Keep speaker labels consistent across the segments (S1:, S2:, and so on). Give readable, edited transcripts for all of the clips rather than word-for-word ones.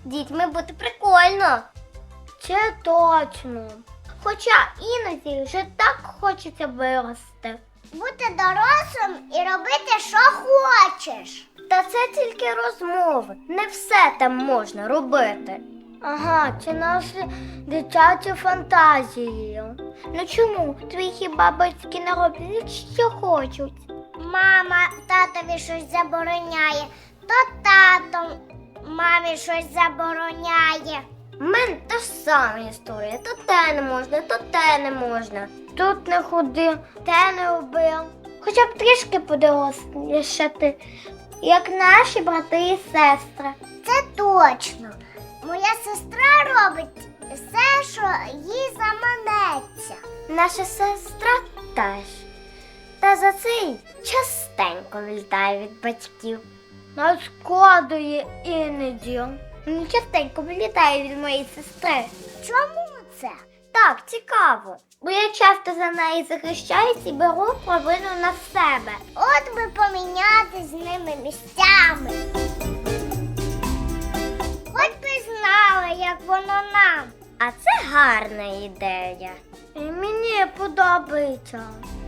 S1: дітьми бути прикольно. Це точно. Хоча іноді вже так хочеться вирости. Бути дорослим і робити, що хочеш. Та це тільки розмови. Не все там можна робити. Ага, це наші дитячі фантазії. Ну чому? Твої хіба батьки не роблять, що хочуть? Мама татові щось забороняє, то тато мамі щось забороняє. У мене та ж сама історія. То те не можна, то те не можна. Тут не ходи, те не роби. Хоча б трішки подорослішати, як наші брати і сестри. Це точно. Моя сестра робить все, що їй заманеться. Наша сестра теж. Та за це й частенько вилітає від батьків. Нашкодує іноді. Частенько вилітає від моєї сестри. Чому це? Так, цікаво. Бо я часто за неї захищаюсь і беру провину на себе. От би поміняти з ними місцями. Хоч би знали, як воно нам. А це гарна ідея. І мені подобається.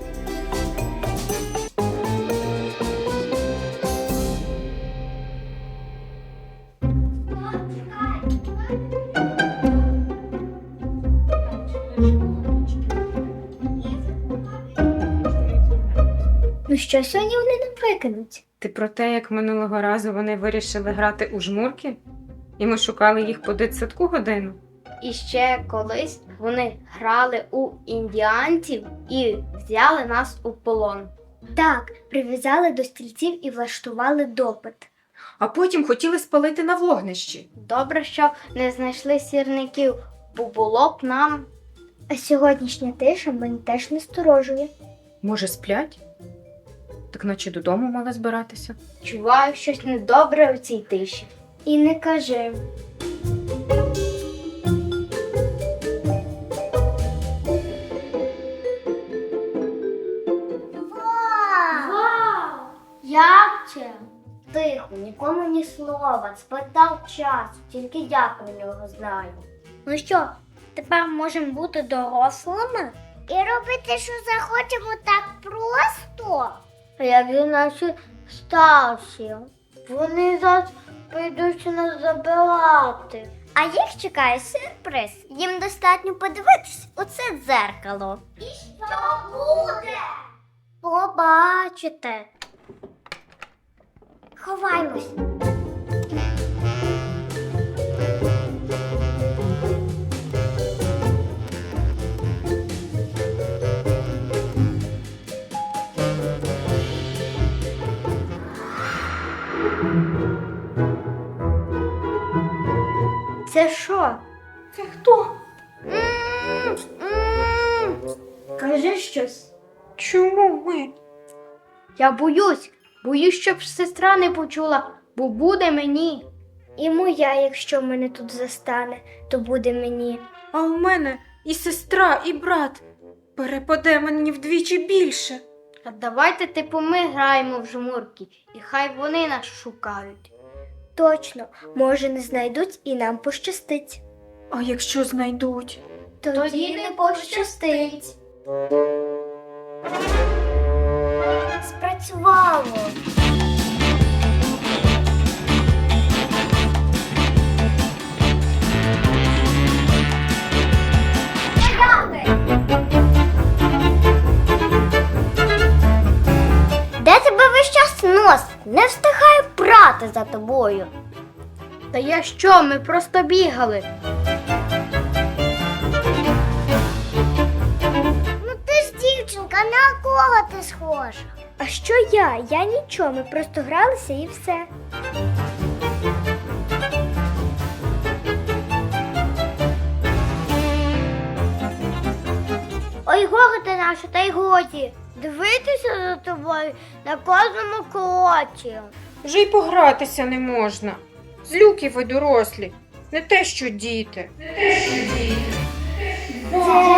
S1: Ну що, сьогодні вони не викинуть?
S2: Ти про те, як минулого разу вони вирішили грати у жмурки? І ми шукали їх по дитсадку годину?
S1: І ще колись вони грали у індіанців і взяли нас у полон. Так, прив'язали до стільців і влаштували допит.
S2: А потім хотіли спалити на вогнищі.
S1: Добре, що не знайшли сірників, бо було б нам. А сьогоднішня тиша мене теж насторожує.
S2: Може, сплять? Так наче додому мали збиратися.
S1: Чуваю щось недобре у цій тиші. І не кажи. Вау! Як це? Тихо, нікому ні слова. Спитав часу, тільки я про нього знаю. Ну що, тепер можемо бути дорослими? І робити, що захочемо, так просто? А як же наші старші? Вони зараз прийдуть нас забирати. А їх чекає сюрприз. Їм достатньо подивитись у це дзеркало. І що буде? Побачите. Ховаймось. Це що?
S2: Це хто?
S1: Кажи щось.
S2: Чому ми?
S1: Я боюсь, щоб сестра не почула, бо буде мені. І моя, якщо мене тут застане, то буде мені.
S2: А у мене і сестра, і брат. Перепаде мені вдвічі більше.
S1: А давайте типу ми граємо в жмурки, і хай вони нас шукають. Точно, може не знайдуть і нам пощастить.
S2: А якщо знайдуть?
S1: Тоді не пощастить. Спрацювало. Де тебе весь час носить? Не встигаю прати за тобою. Та я що, ми просто бігали. Ну ти ж дівчинка, на кого ти схожа? А що я? Я нічого, ми просто гралися і все. Ой, горе ти наша, та й годі. Дивитися за тобою на кожному кроці.
S2: Вже й погратися не можна. Злюки ви дорослі. Не те, що діти.
S1: Де